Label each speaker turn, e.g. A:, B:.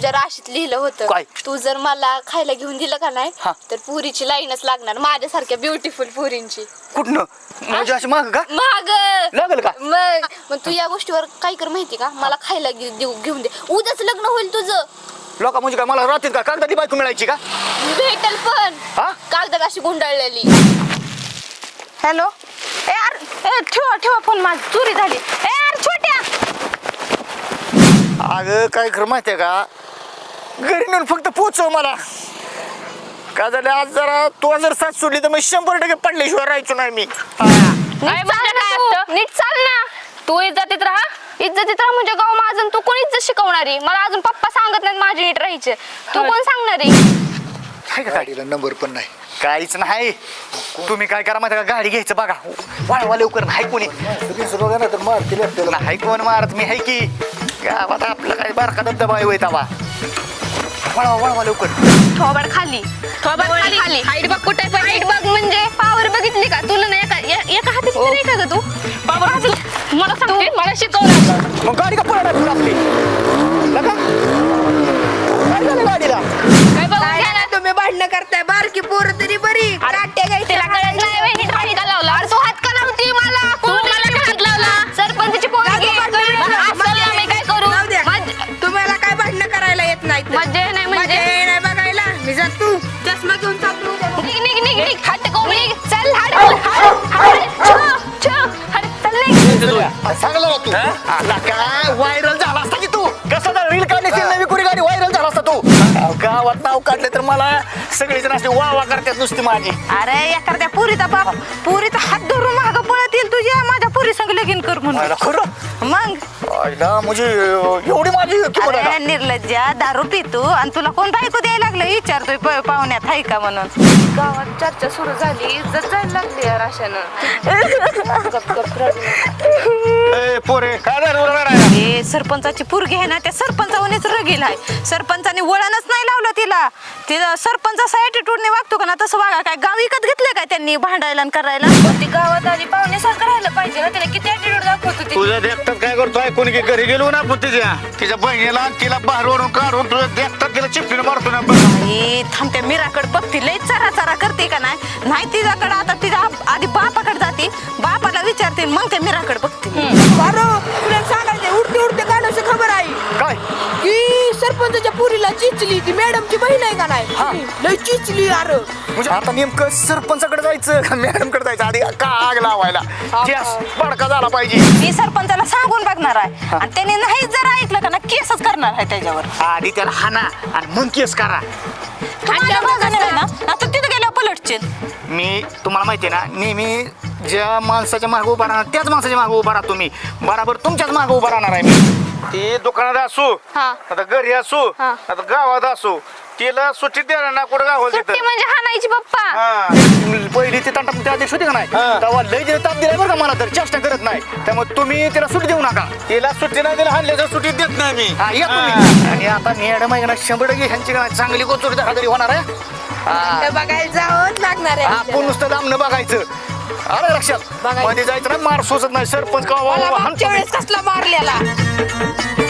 A: तुझ्या राशीत लिहिलं होतं
B: काय?
A: तू जर मला खायला घेऊन दिलं का नाही तर पुरीची लाईनच लागणार माझ्यासारख्या ब्युटिफुल पुरींची.
B: कुठनं म्हणजे अशी माग का
A: महाग
B: लागल का?
A: मग तू या गोष्टीवर काय कर माहिती का मला खायला घेऊन दे उद्याच लग्न होईल तुझं.
B: लोक म्हणजे काय मला रात्रीत का कागदाची बायको मिळायची का?
A: भेटल पण
B: हा
A: कागदात अशी गुंडाळलेली.
C: हॅलो ए यार ठेवा फोन माझी चोरी झाली. ए यार छोट्या
B: अगं काय खरं माहितीये का घरी नेऊन फक्त पोचव मला. का झालं आज जरा तू जर साथ सोडली तर मग 100% पडल्याशिवाय राहायचो नाही मी.
C: नीट चाल ना तू इज्जतीत राहा म्हणजे गाव माझं तू कोण इज्जत शिकवणारी मला अजून पप्पा सांगत नाहीत माझी नीट राहायचे तू कोण सांगणारी.
D: गाडीला नंबर पण नाही
B: काहीच नाही तुम्ही काय करा माहिती का गाडी घ्यायचं बघा वाळवा लवकर नाही कोणी
D: बघा ना तर मारतील आपल्याला.
B: नाही कोण मारत मी आहे की गावात आपलं काय बारका धबधबा आहे तवा वळवा लवकर.
C: थोबाड खाली हाईट बघ कुठे हाईट बघ म्हणजे पावर बघितली का तुला नाही एका हाताची तरी का ग तू पावर मला सांगते मला शिकवलं
B: मग गाडी का पळणार आपली लगा काय झालं गाडीला
C: काय बघ
A: काय ना तुम्ही भांडणं करताय बारकी पोरं तरी बरी काट्या घ्यायच्या
C: तिला कळत नाही वय नीट हात का लावला तू हात का लावती मला तू मला हात लावला सरपंचची पोरगी मी काय करू
A: तुम्हाला काय भांडणं करायला येत नाही
C: मज्जा नाही म्हणजे
A: नाही बघायला मी जात तू चष्मा घेऊन चालू
C: निघ हात को निघ चल
B: सांगलं ना तू आला काय व्हायरल झाला असता की तू कसं रील काढण्याची नवी कुणी गाडी व्हायरल झाला असता तू गावात नाव काढले तर मला सगळेजण असे वा करतात नुसती माझी.
C: अरे एखाद्या पुरीचा बाप पुरीचा हात धरून मागं पळत येईल तुझ्या माझ्या पुरी संग लगीन कर म्हणून
B: खरं
C: मग
B: आईला म्हणजे एवढी माझी किंमत आहे
C: अरे निर्लज्जा दारू पितो आणि तुला कोण बायको द्यायला लागलं विचारतोय पाहुण्यात हाय का म्हणून.
A: गावात चर्चा सुरू झाली इज्जत जायला लागली यार अशानं.
B: ए, पोरे काय झालं
C: हे सरपंचाची पोरगी आहे ना त्या सरपंचावरच रगील आहे सरपंचाने वळणच नाही लावलं तिला सरपंच असा ॲटिट्यूडने वागतो का ना तसं वागा काय गाव विकत घेतलं काय त्यांनी भांडायला आणि करायला.
A: ती गावात आली पाहुण्यासारखं राहिलं पाहिजे ना त्याला किती ऍटिट्यूड दाखवत होती.
B: तुझ्या देखतात काय करतोय कोणी की घरी गेलो ना आपण तिच्या बहिणीला तिला बाहेर ओढून काढून तुझ्या देखतात तिला चिपटीने मारतो ना
C: थांबत्या मीराकडे बघती लय चारा करते का नाही तिच्याकडे आता तिच्या आधी बापाकडे जाते बापाला विचारते मग त्या मीराकडे बघते.
A: तुला सांगायचं उडते गाण्याची खबर आहे
B: काय
A: की सरपंचाच्या पुरीला चिचली ती मॅडमची बहीण आहे का नाही लय चिचली यार.
B: म्हणजे आता नेमकं सरपंचाकडे जायचं का मॅडम कडे जायचं आधी का आग लावायला गॅस बडका झाला पाहिजे.
C: मी सरपंचाला सांगून बघणार आहे आणि त्याने नाही जर ऐकलं का ना केसच करणार आहे त्याच्यावर.
B: आधी त्याला हाना आणि मग केस करा.
C: आता तिथे गेल्यावर पलटशील.
B: मी तुम्हाला माहिती आहे ना नेहमी ज्या माणसाच्या मागे उभा राहणार त्याच माणसाच्या मागे उभा राहतो मी बराबर तुमच्याच मागे उभा राहणार आहे मी. ती दुकानात असू आता घरी असू आता गावात असू तिला सुट्टी द्यायला ना कुठं गाव
C: सुट्टी म्हणजे हाणायची पप्पा.
B: पहिली ती तंटा त्या दिवशी होती का नाही तेव्हा लय जे ताप दिलाय बरं का मला तर चेष्टा करत नाही त्यामुळे तुम्ही तिला सुट्टी देऊ नका. तिला सुट्टी नाही दिला हल्ल्याच्या सुट्टी देत नाही मी. आणि आता मॅडम आहे ना 100% ह्यांची चांगली गोचुरी घरी होणार आहे.
A: बघायला जावंच लागणार आहे
B: आपण नुसतं लांबणं बघायचं. अरे लक्षात मध्ये जायचं ना मार सोसत नाही सरपंच
A: मला मागच्या वेळेस कसला मारलेला.